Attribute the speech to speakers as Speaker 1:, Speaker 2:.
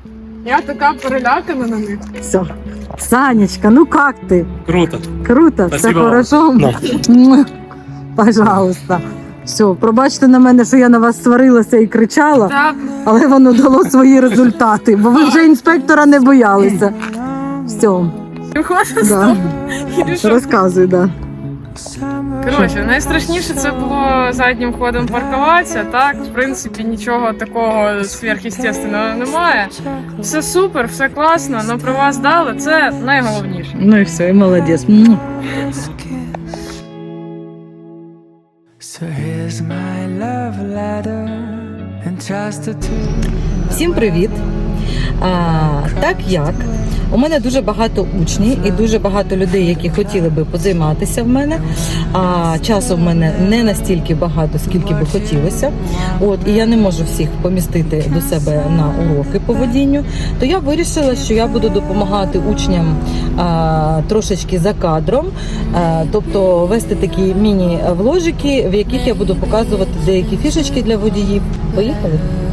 Speaker 1: Я така перелякана на них.
Speaker 2: Все. Санечка, ну как ты?
Speaker 3: Круто.
Speaker 2: Круто, все
Speaker 3: Спасибо вам.
Speaker 2: хорошо? Муа. Пожалуйста. Все, пробачте на мене, що я на вас сварилася і кричала,
Speaker 1: Так,
Speaker 2: але воно дало свої результати, бо ви вже інспектора не боялися. Все,
Speaker 1: виходить з
Speaker 2: да.
Speaker 1: того. І що?
Speaker 2: Розказуй, да.
Speaker 1: Коротше, найстрашніше це було заднім ходом паркуватися. Так, в принципі, нічого такого сверхъестественного немає. Все супер, все класно, але права здали, це найголовніше.
Speaker 2: Ну і все, і молодець. Муа.
Speaker 4: So here's my love letter entrusted to
Speaker 2: Всім привіт! Так як у мене дуже багато учнів і дуже багато людей, які хотіли би позайматися в мене, а часу в мене не настільки багато, скільки би хотілося. І я не можу всіх помістити до себе на уроки по водінню, то я вирішила, що я буду допомагати учням трошечки за кадром, тобто вести такі міні-вложики, в яких я буду показувати деякі фішечки для водіїв. Поїхали?